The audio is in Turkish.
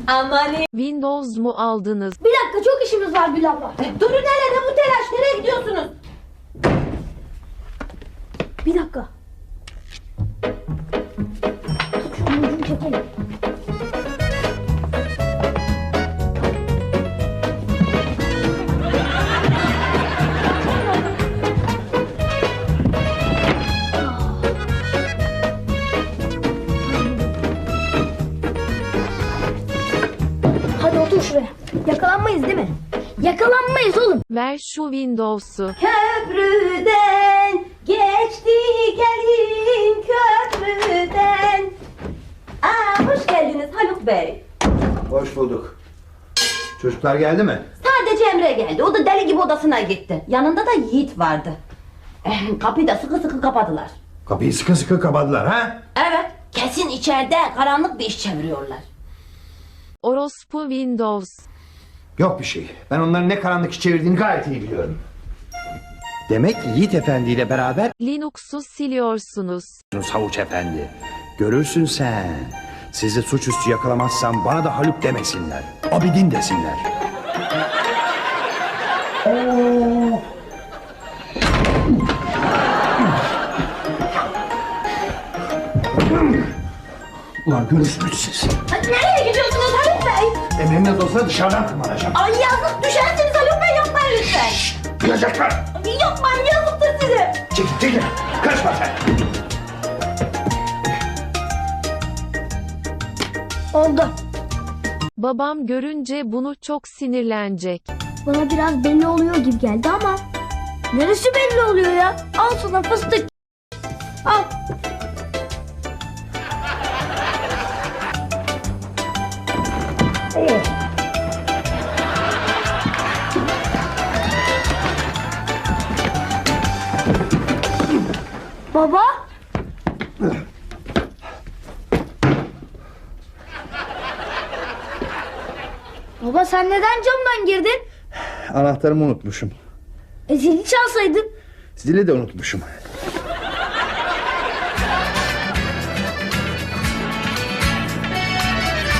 Aman Windows mu aldınız? Bir dakika, çok işimiz var Gül abla. durun hele, ne bu telaş, nereye gidiyorsunuz? Bir dakika. Şunun ucunu çekelim. Hadi otur şuraya. Yakalanmayız değil mi? Yakalanmayız oğlum. Ver şu Windows'u. Köprüden geçti gelin köprüden. Hoş geldiniz Haluk Bey. Hoş bulduk. Çocuklar geldi mi? Sadece Emre geldi, o da deli gibi odasına gitti. Yanında da Yiğit vardı. Kapıyı da sıkı sıkı kapadılar. Kapıyı sıkı sıkı kapadılar ha? Evet, kesin içeride karanlık bir iş çeviriyorlar. Orospu Windows. Yok bir şey. Ben onların ne karanlık iş çevirdiğini gayet iyi biliyorum. Demek Yiğit Efendi ile beraber Linux'u siliyorsunuz. Havuç Efendi. Görürsün sen. Sizi suçüstü yakalamazsam bana da Haluk demesinler. Abidin desinler. Ulan görürsünüz siz. Nereye gidiyorsunuz Haluk Bey? Emre'nin dosya dışarıdan tırmanacağım. Ay yazık, düşersiniz Haluk Bey, yapmayın lütfen. Duyacaklar. Yapmayın, yazıktır size. Çekil. Kaçma sen. Oldu. Babam görünce bunu çok sinirlenecek. Bana biraz belli oluyor gibi geldi ama neresi belli oluyor ya? Al sana fıstık. Al. Baba? Baba sen neden camdan girdin? Anahtarımı unutmuşum. Zili çalsaydın. Zili de unutmuşum.